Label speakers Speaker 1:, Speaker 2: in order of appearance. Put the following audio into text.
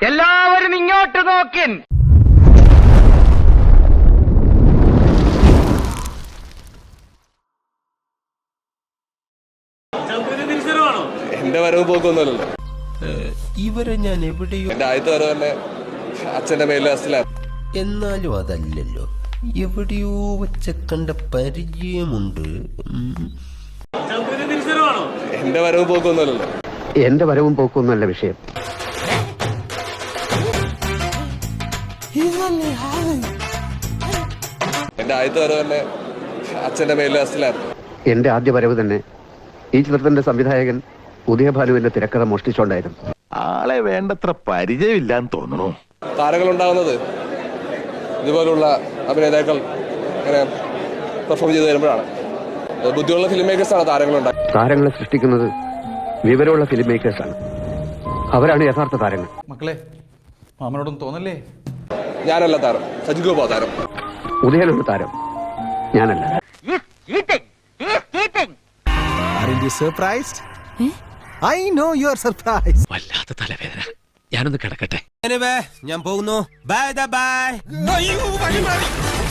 Speaker 1: എല്ലാവരും ഇങ്ങോട്ട് നോക്കിൻ.
Speaker 2: എന്റെ വരവ് പോക്കൊന്നുമല്ലല്ലോ.
Speaker 3: ഇവരെ ഞാൻ എവിടെയോ
Speaker 2: എന്റെ ആദ്യത്തെ വരവ് തന്നെ അച്ഛന്റെ മേലിൽ അസിലാണ്.
Speaker 3: എന്നാലും അതല്ലല്ലോ, എവിടെയോ വെച്ച കണ്ട പരിചയമുണ്ട്.
Speaker 2: എന്റെ വരവ് പോക്കൊന്നുമല്ലല്ലോ.
Speaker 4: എന്റെ വരവും പോക്കൊന്നുമല്ല വിഷയം.
Speaker 2: എന്റെ ആദ്യത്തെ വരവ് തന്നെ അച്ഛന്റെ മേലിൽ അസിലാണ്.
Speaker 4: എന്റെ ആദ്യ വരവ് തന്നെ ഈ ചിത്രത്തിന്റെ സംവിധായകൻ ഉദയഭാനുവിന്റെ തിരക്കഥ മോഷ്ടിച്ചോണ്ടായിരുന്നു.
Speaker 5: ആളെ വേണ്ടത്ര പരിചയമില്ലാന്ന് തോന്നുന്നു.
Speaker 2: താരങ്ങൾ ഉണ്ടാകുന്നത് ഇതുപോലുള്ള അഭിനേതാക്കൾ ഇങ്ങനെ പെർഫോം ചെയ്ത് വരുമ്പോഴാണ്. ബുദ്ധിയുള്ള ഫിലിം മേക്കേഴ്സാണ് താരങ്ങളുണ്ടാകുന്നത്.
Speaker 4: താരങ്ങളെ സൃഷ്ടിക്കുന്നത് വിവരമുള്ള ഫിലിം മേക്കേഴ്സാണ്. അവരാണ് യഥാർത്ഥ താരങ്ങൾ.
Speaker 6: മക്കളെ, മാമനോടൊന്നും തോന്നല്ലേ?
Speaker 2: ഞാനല്ല താരം, സജിഗോപാ താരം.
Speaker 4: ഉദയനാണ് താരം, ഞാനല്ല.
Speaker 3: വല്ലാത്ത തലവേദന. ഞാനൊന്ന് കിടക്കട്ടെ. ഞാൻ പോകുന്നു. Bye by.